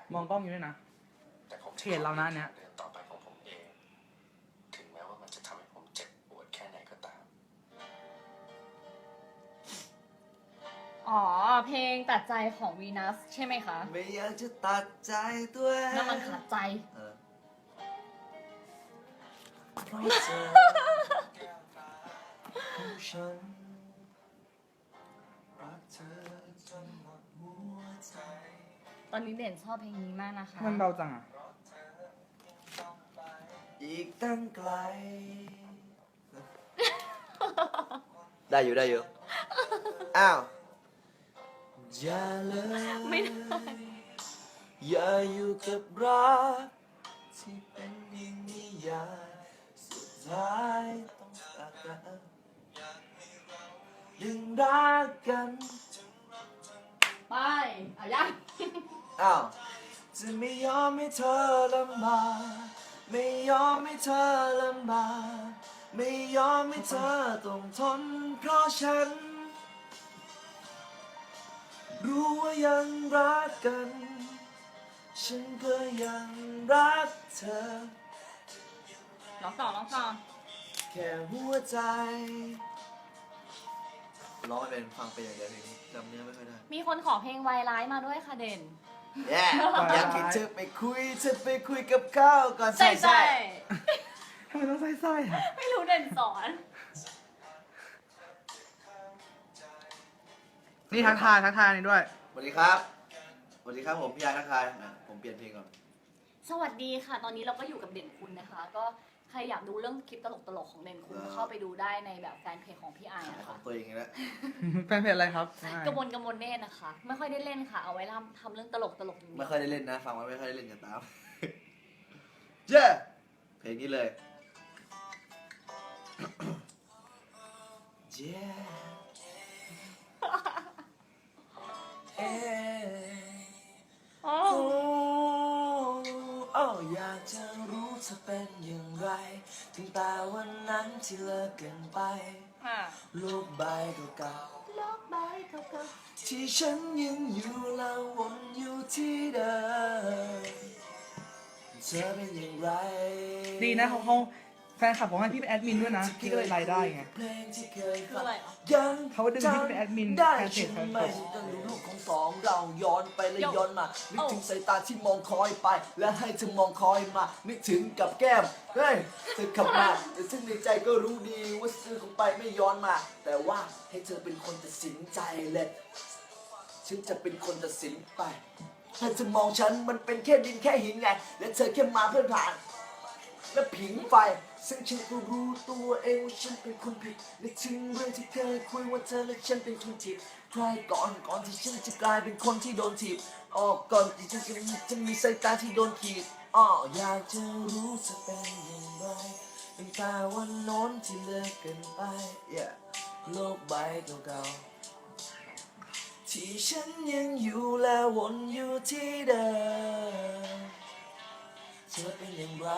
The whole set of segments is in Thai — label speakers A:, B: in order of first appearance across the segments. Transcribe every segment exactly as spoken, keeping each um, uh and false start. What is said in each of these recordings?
A: มองกล้องอยู่ด้วยนะเขียนเรานะเนี้ย
B: ต่อไปของผมเองถึงแม้ว่ามันจะทำให้ผมเจ็บปวดแค่ไหนก็ตาม
C: อ๋อเพลงตัดใจของวีนัสใช่ไหมคะ
D: ไม่อยากจะตัดใจตัวเอง
C: น้ำมันขาดใจ
D: เออเพราะเธอของฉันรักเธอจนหมดหัวใจ
C: ตอนนี้เด่นชอบเพลงนี้มากนะคะ
A: มันเบาจังอ่ะ
D: อีกตั้งไกล ได้อยู่ได้อยู่ อ้าว อย่าเลย
C: ไม่ได้
D: อย่าอยู่กับรักที่เป็นอย่างนี้อย่าสุดท้ายต้องจากกันยังรักกัน
C: ไปอ่ะยัง
D: อ้าวจะไม่ยอมให้เธอลำบากไม่ยอมให้เธอลำบากไม่ยอมให้เธอต้องทนเพราะฉัน รู้ว่ายังรักกัน ฉันก็ยังรักเธอ
C: ร้องต่อร้องต่อ
D: แค่หัวใจร้องไม่เป็นฟังไปอย่างเดียวเพลงนี้จำเนื้อไม่ค่อยได้
C: มีคนขอเพลงวายร้ายมาด้วยค่ะเด่น
D: แย่อยากให้เธอไปคุยเธอไปคุยกับเขาก่อนใส่ใส่
A: ทำไมต้องไส้ๆอ่ะ
C: ไม่รู้เด่นสอน
A: นี่ทักทายทักทายนี่ด้วย
D: สวัสดีครับสวัสดีครับผมพี่ยายทักทายอ่ะผมเปลี่ยนเพลงก่อน
C: สวัสดีค่ะ ตอนนี้เราก็อยู่กับเด่นคุณนะคะ ก็ใครอยากดูเรื่องคลิปตลกๆของเด่นคุณเข้าไปดูได้ในแบบแฟนเพจของพี่ไอาย
D: ขาย
C: นะ
D: ขอ
C: คะ
D: งตัวเองอีกแล้ว
A: แฟนเพจอะไรครับ
C: กระมวลกระมวลเนตรนะคะ ไม่ค่อยได้เล่นค่ะ เอาไว้ทำทำเรื่องตลกตลกอย่าง
D: ไม่
C: นี้
D: ค่อยได้เล่นนะฟังไว้ไม่ค่อยได้เล่นกันตาม เย้เพลงนี้เลยเย้เอ๊ะ
C: อ๋อ
D: โอ้โอ้อยากจะรู้เธอเป็นอย่างไรถึงแต่วันนั้นที่เลิกกันไป
C: ค่ะ
D: ลูกใบเก่า
C: โลกใบเก่า
D: ๆที่ฉันยังอยู่แล้ววนอยู่ที่เดิมเธอเป็นอย่างไร
A: ดีนะเขาเขาแฟนคลับของให้พี่เป็นแอดมินด้วยนะ พี่ก็เลยรายได้ไง
D: เพลงที่เคย
C: ๆคือ
D: ฟัง
C: อะไรอ่ะ
D: ยัง
A: เขาดึงพี่เป็นแอดมิน
D: ได้
A: แฟนเพจ
D: ใช่ไหม
A: แฟนเพจ
D: ตั้งดูรูปของสองเราย้อนไปและ
C: โย่
D: ย้อนมานึก
C: โอ้
D: ถึงสายตาที่มองคอยไป และให้เธอมองคอยมานึกถึงกับแก้มเฮ้ยเธอขับมาแต่ซึ่งในใจก็รู้ดีว่าซื้อของไปไม่ย้อนมา แต่ว่าให้เธอเป็นคนตัดสินใจเลยฉันจะเป็นคนตัดสินไปถ้าเธอมองฉันมันเป็นแค่ดินแค่หินไง และเธอแค่มาเพื่อผ่าน และผิงไฟซึ่งฉันก็รู้ตัวเองว่าฉันเป็นคนผิดและถึงเรื่องที่เคยคุยว่าเธอและฉันเป็นคนผิดใครก่อนก่อนที่ฉันจะกลายเป็นคนที่โดนถีบออกก่อนที่ฉันจะมีจะมีสายตาที่โดนขีดอ้ออยากจะรู้จะเป็นอย่างไรตั้งแต่วันโน้นที่เลิกกันไป yeah. โลกใบเก่าๆที่ฉันยังอยู่และวนอยู่ที่เดิมเธอเป็นอย่างไร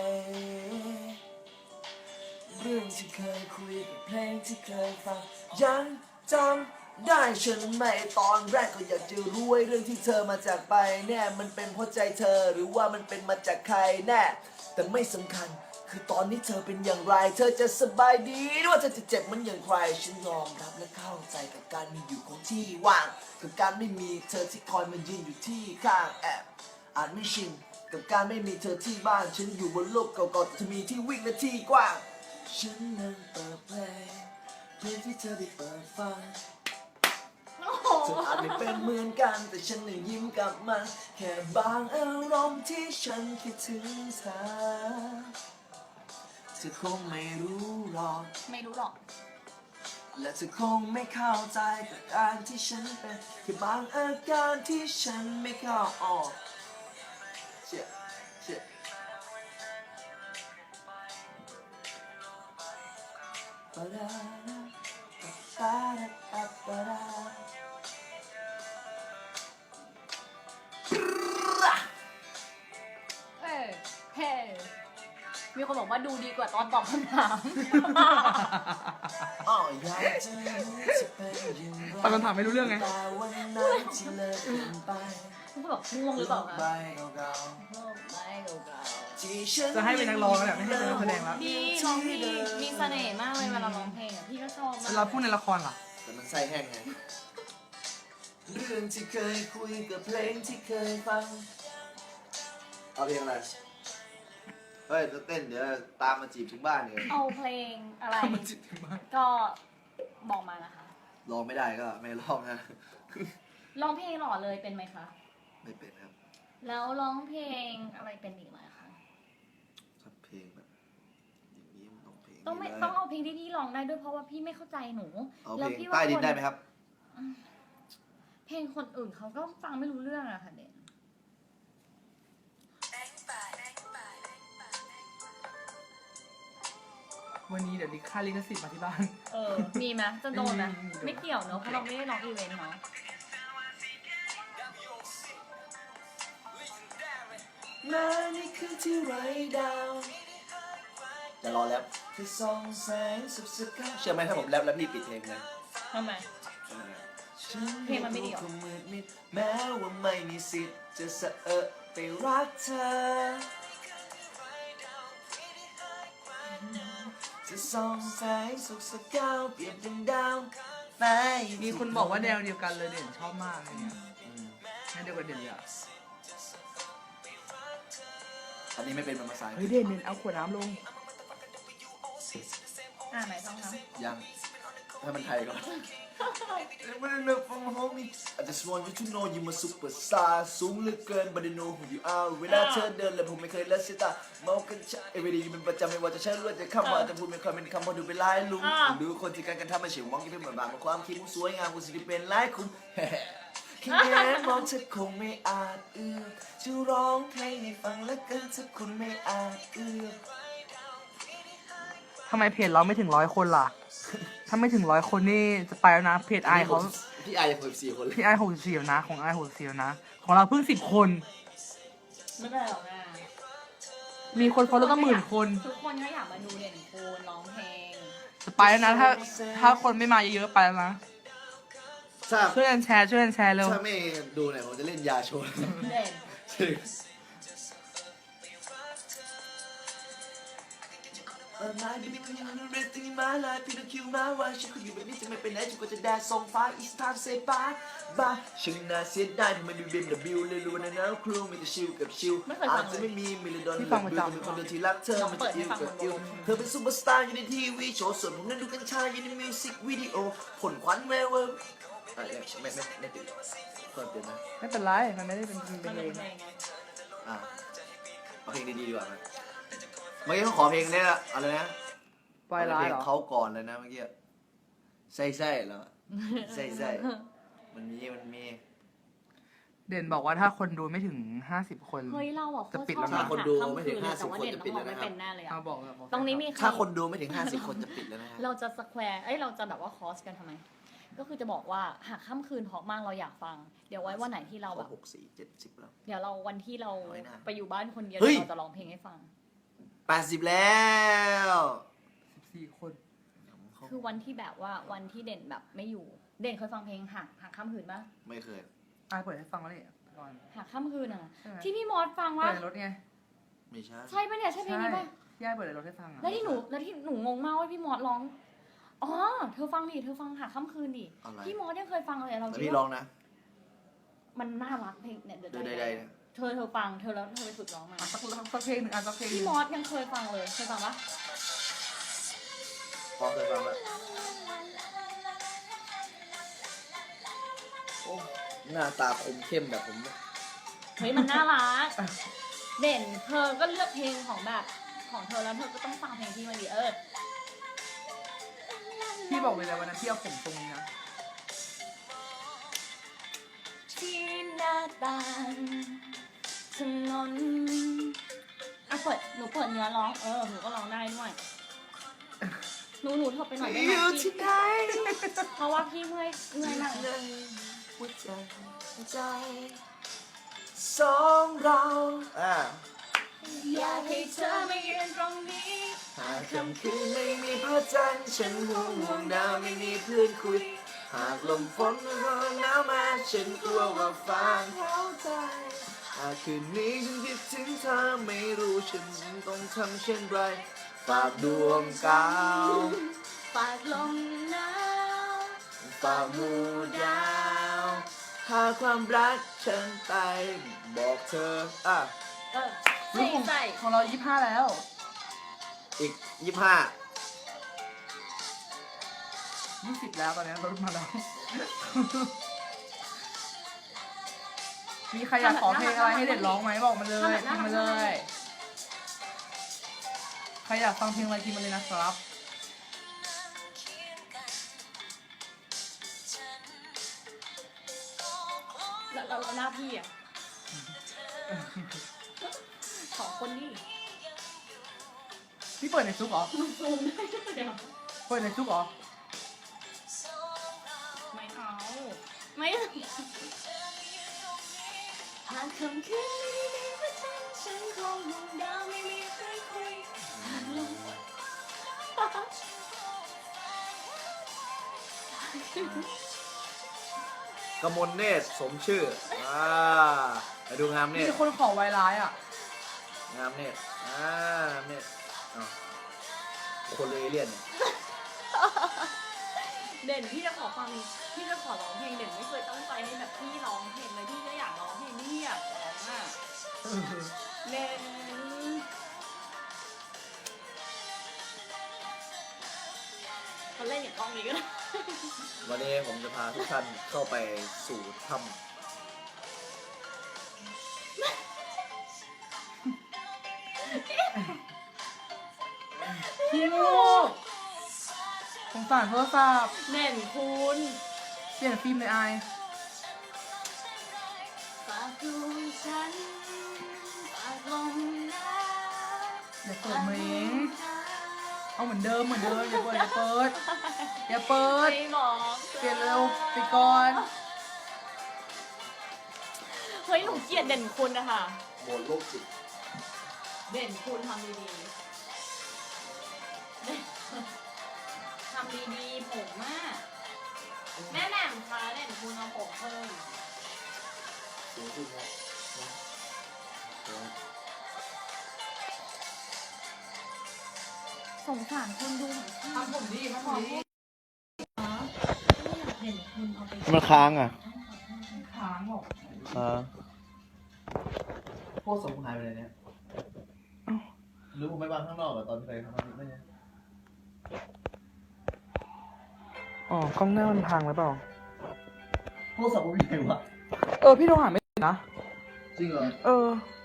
D: เรื่องที่เคยคุยกับเพลงที่เคยฟังยังจำได้ใช่ไหมตอนแรกก็อยากจะรู้ว่าเรื่องที่เธอมาจากไปแน่มันเป็นเพราะใจเธอหรือว่ามันเป็นมาจากใครแน่แต่ไม่สำคัญคือตอนนี้เธอเป็นอย่างไรเธอจะสบายดีหรือว่าเธอจะเจ็บเหมันอย่างใครฉันยอมรับและเข้าใจกับการมีอยู่ของที่ว่างกับการไม่มีเธอที่คอยมายืนอยู่ที่ข้างแอบอาจไม่ชินกับการไม่มีเธอที่บ้านฉันอยู่บนโลกเก่าๆแต่เธอมีที่วิ่งและที่กว้างฉันนั่งเปิดเพลงเพลงที่เธอได้เปิดฟัง
C: โอ้โห
D: เธออาจไม่เป็นเหมือนกันแต่ฉันน่ะยิ้มกลับมาแค่บางอารมณ์ที่ฉันคิดถึงเธอเธอคงไม่รู้หรอก
C: ไม่รู้หรอก
D: และเธอคงไม่เข้าใจกับการที่ฉันเป็นแค่บางอาการที่ฉันไม่เข้าออกเชี่ยเชี่ยปะดาปะดาปะปะดา
C: เออเฮ้มีคนบอกว่าดูดีกว่าตอนตอบคำถาม
D: อ้ออยากจะรู้จะเป็นอย่างไร
A: ตอนคำถามไม่รู้เรื่องไง
D: แต่วันนั้นที่เลิกกันไป
C: คุณบอกง่วงหรือเปล่าคะ
D: ใบเก่า
C: ง่วงไม่เก่า
D: ๆที่ฉัน
A: จะให้เป็นนักร้องแล้วแหละไม่ให้เป็นนักแสดงแล้ว
C: ๆดีร้องเพลงมีเสน่ห์มากเลยเวลาร้องเพลงอ่ะพี่ก็ชอบมา
A: เวลาก พูดในละครล่ะ
D: แต่มันไส้แห้งไงเรื่องที่เคยคุยกับเพลงที่เคยฟังเอาเพลงอะไรเฮ้ยจะเต้นเดี๋ยวตามมาจีบถึงบ้านเนี่ย
C: เอาเพลงอะไร
A: มันจิตถึงมาก
C: ก็บอกมานะคะ
D: ร้องไม่ได้ก็ไม่ร้องนะ
C: ร้องเพลงหล่อเลยเป็นไหมคะ
D: ไม่เป็นครับ
C: แล้วร้องเพลงอะไรเป็นอีกไหมคะ
D: ถ้าเพลงแบบอย่างนี้มันต้องเพลง
C: ต้องไม่
D: นี้
C: ต้องเอาเพลงที่พี่ร้องได้ด้วยเพราะว่าพี่ไม่เข้าใจหนู
D: เอา
C: แล้ว
D: เพลง
C: พี่
D: ใต้
C: ว่า
D: ดิ
C: คน น
D: ได้ไหมครับ
C: เพลงคนอื่นเขาก็ฟังไม่รู้เรื่องอะค่ะเด่น
A: วันนี้เดี๋ยวดิค่าลิขสิทธิ์มาที่บ้าน
C: เออ มีไหมจะโดนไหม
A: ไม่มี
C: ไม่เกี่ยวเนอะเพราะเราไม่ได้ร้องอีเวนต์เนาะ
D: มาในคืนที่ไร้ดาวจะรอแรปที่ส่องแสงสุดสกาวเชื่อไหมถ้าผมแรปแล้วพี่ปิดเพลงเลย
C: ทำไม เพลงมันไม่ดีหรอ
D: ฉัมืดมิดแม้ว่าไม่มีสิทธิ์จะสะเอะไปรักเธอจะส่องแสงสุดสกาวเปรียบดังดาวใน
A: มีคนบอกว่าแนวเดียวกันเลยเด่นชอบมากอะไรเงี้ยแนวเดียวกันเด่นเลยอะ
D: อันนี้ไม่เป็นภาษาอังก
A: เฮ้ย
D: ฤษ
A: เด่นเด่นเอาขวดน้ำลง
C: อ่าไหนต้องท
D: ยังถ้ามันไทยก่อน I just want you to know you my superstar สูงเหลือเกิน but I know who you are เวลาเธอเดินเลยผมไม่เคยละสายตาเมากันชะ everyday เป็นประจำไม่ว่าจะใช้เลือดจะคำว่าจะพูดไม่ค่อยเป็นคำพอดูเป็นลายลุงดูคนที่การกระทำมันเฉียวมองที่เป็นเหมือนบาปความคิดมุสวยงามกูสิเป็นลายคุณแค่แค่มองเธอคงไม่อาจเอื้อมจะร้องเพลงให้ฟังแล้วกันถ้าคุณไม่อาจเอื้อม
A: ทำไมเพจเราไม่ถึงร้อยคนล่ะ ถ้าไม่ถึงร้อยคนนี่จะไปแล้วนะ เพจไอเขา
D: พี่ไอหกสิบสี่คนเลย
A: พี่ไอหกสิบสี่นะ ของไอหกสิบสี่นะ ของเราเพิ่งสิบคน
C: ำไม่ได้หรอกนะ
A: มีคนฟอลโล่ตั้งหมื่นคน
C: ทุกคนก็อยากมาดูเด่นคูณร้องเพลง
A: จะไปแล้วนะ ถ้าถ้าคนไม่มาเยอะๆไปแล้วนะ
D: ถ้า
A: ช่วยกันแชร์ช่วยกันแชร์เร็ว
D: ถ้าไม่ดูหน่อยผมจะเล่นยาโชว์
C: เด่น
D: จริงมาดิบิคุณยังเรสติ้งมาลายพี่ต้องคิวมาว่าฉันคุยอยู่แบบนี้จะไม่ไปไหนจนกว่าจะแดดส่งฟ้า It's time say bye bye ฉันน่าเสียดายที่ไม่มี บี เอ็ม ดับเบิลยู เลยรู้นะนะครูมีแต่ชิลกับชิลอาจจะไม่มีมิลลิดอนหรือดูเป็นคนเดียวที่รักเธอมันจะอิวกับอิวเธอเป็นซูเปอร์สตาร์อยู่ในทีวีโชว์ส่วนผมนั้นดูกัญชาอยู่ในมิวสิกวิดีโอผลควันแววไม่ไม่ไม่ไม่ติดเพิ่มเติมนะ
A: ไม่เป็นไร มันไม่ได้เป็นเป็น
C: มัน
A: เพล
C: เป็น
A: ง
C: เพลงไง
D: อ่าเอาเพลงดีๆดีกว่าไหมเมื่อกี้เขาขอเพลงเนี้ยอะไรนะ
A: ปล่อยร้าย
D: เพล
A: เหรง อ
D: เขาก่อนเลยนะเมื่อกี้ใส่ใส่แล้วใส่ใส่มันมีมันมี
A: เด่นบอกว่าถ้าคนดูไม่ถึงห้าสิบคน
C: เฮ้ยเราอ่ะโคตร
A: จะปิด
C: ชอบ
A: แล้วนะ
C: หา
D: คนดู
C: ค่ำ
D: ไม่ถึง
C: คืนเลย
D: ห้าสิบ
C: แต่ว่า
D: คน
C: เด่น
D: จะ
C: ต้
D: ปิ
C: อง
D: ด
C: ร้อง
D: แล้วนะครับ
C: ไม่เป็นแน่เลย
A: เอา
C: อ่ะ
A: บอกเลยบอก
C: ตรงนี้มีใคร
D: ถ้าคนดูไม่ถึงห้าสิบคนจะปิดแล้วนะฮะ
C: เราจะสแควร์เอ้ยเราจะแบบว่าคอสกันทำไม ก็คือจะบอกว่าหากค่ำคืนเพราะมากเราอยากฟัง เดี๋ยวไว้วันไหนที่เราแบบ
D: หกสี่เจ็ดสิบแล้ว
C: เดี๋ยวเราวันที่เรา
D: น้อยนะ
C: ไปอยู่บ้านคนเดียว
D: เฮ้ย
C: เดี๋ยวเราจะร้องเพลงให้ฟัง
D: แปดสิบแล้ว
A: สิบสี่คน
C: คือวันที่แบบว่าวันที่เด่นแบบไม่อยู่ เด่นเคยฟังเพลงหักหักค่ำคืนปะ
D: ไม่เคย
A: อายเปิดให้ฟังแล้วนี่ก่อน
C: หักค่ำคืนอ่ะ
A: ใช่ไหม
C: ที่พี่มอสฟัง
A: เปิ
C: ว่า
A: ดในรถไง
D: ไม่ใช่
C: ใช่ปะเนี่ยใช่เพลงนี้ปะ
A: ย่าเปิดในรถให้ฟังอ่ะ
C: แล้วที่หนูแล้วที่หนูงงมากว่าพี่มอสร้องอ๋อเธอฟังดิเธอฟังหักค่ำคืนดิ
D: อะไร
C: พี่มอสยังเคยฟังเลยเรา
D: แต่
C: คิด
D: พี่ร้อ
C: ว่าง
D: นะ
C: มันน่ารักเพลงเนี่ยเดี๋ยว
D: ดู
C: ได้
D: ได้ๆนะ
C: เธอเธอฟังเธอแล้วเธอไปฝึกร้องมา
A: อ่ะสักสักเพลงหนึ่งอ่ะสักเพลงห
C: พี่
A: นึ่ง
C: มอสยังเคยฟังเลยเคยฟังปะ
D: พอเคยฟังแล้วโอ้หน้าตาคมเข้มแบบผม
C: เฮ้ยมันน่ารักเด่นเธอก็เลือกเพลงของแบบของเธอแล้วเธอก็ต้องฟังเพลงที่มันดีเออ
A: พี่บอกเลยนะวันนั้นพี่เอาผมตรงนี้นะ
C: ที่หน้าต่างถนนอ่ะเปิดหนูเปิดเนื้อร้องเออหนูก็ร้องได้ด้วยหนูหนูเถอะไปหน่อยได้ไหม
D: อยู่
C: พี่
D: ที่ไหน
C: เพราะว่าพี่เมื่อยเมื่อยมาก
D: ในหัวใจใจสองเราอ่า
C: อยากให้เธอมายืนตรงนี้
D: หากค่ำคืนไม่มีพระจันทร์ฉันห่วงห่วงดาวไม่มีเพื่อนคุย หากลมฝนมันหนาวมาฉันกลัวว่าฟ้าเข้าใจหากคืนนี้ฉันคิดถึงเธอไม่รู้ฉันต้องทำเช่นไรฝากดวงกาว
C: ฝากลมหนาว
D: ฝากหมู่ดาวหากความรักฉันไปบอกเธออ่ะ
C: เออใส่ใส่
A: ของเรายี่สิบห้าแล้ว
D: อีกยี่สิบห้า
A: ยี่สิบแล้วตอนนี้ลดมาแล้ว มีใครอยากขอเพลงอะไรให้เด็ดร้องไหมบอกมาเลยพิมพ์มาเลย ใครอยากฟังเพลงอะไรพิมพ์มาเลยนะครับ
C: แล้วแล้วแล้วหน้าพี่อ่ะสองคนนี่
A: พี่เปิดในซุกเหรอ
C: มันซูมได้ด้วยเดี๋ยว
A: เปิดในซุกเหรอ
C: ไม่เอาไม่หากค่ำคืนไม่มีพระจันทร์ฉันคงมองดาวไม่มีใครคุยหากลม
D: กมลเนตรสมชื่ออ่าไปดูงามเน
A: มี
D: ตร
A: คนขอไวร้ายอ่ะ
D: งามเนตรอ่างามเนตรอ้าวคนเลยเอเลี่ยนเนี่ย
C: เด่นพี่จะขอฟังพี่จะขอร้องเพลงเด่นไม่เคยตั้งใจให้แบบพี่ร้องเพลงเลยพี่ก็อยากร้องเพลงพี่อยากร้องอ่ะเด่นเขาเล่นอย่างกล้องนี้ก็ได้
D: วันนี้ผมจะพาทุกท่านเข้าไปสู่ถ้
A: พี่ลูกสงสารโทรศัพท์
C: เด่นคุณ
A: เปลี่ยนฟิล์มเลยไอาย
C: ฝากดวงฉันฝากลมหนาว
A: อย่าเปิดเมงเอาเหมือนเดิมเหมือนเดิมอย่าเปิดอย่าเปิดอย่าเปิด
C: ไม่บอก
A: เปลี่ยนเร็วไปก่อน
C: เฮ้ยหนูเกลียดเด่นคุณนะคะ
D: ำโหมดโลกจิต
C: เด่นคุณทำดีๆทำดีๆผมมากแม่แหม่มคะเด่นคุณเอาผมเพิ่ม
D: สูงขึ้นครับนะเดี๋ยว
C: สงสารคนดูของพี่
A: ทำผมดีทำผมดี
C: เด่นคุณเอาไป
D: มันค้างอ่ะ
A: ค้างบอก
D: ค้างพวกสมุนหายไปไหนเนี่ยหรือผมไปวางข้างนอกอะตอนเคยทำอะไรไม่เนี่ย
A: อ๋อกล้องหน้ามันพังหรือเปล่า
D: พวกสมุนหายวะ
A: เออพี่โทรหาไม่ติดนะ
D: จริงเหรอ
A: เออ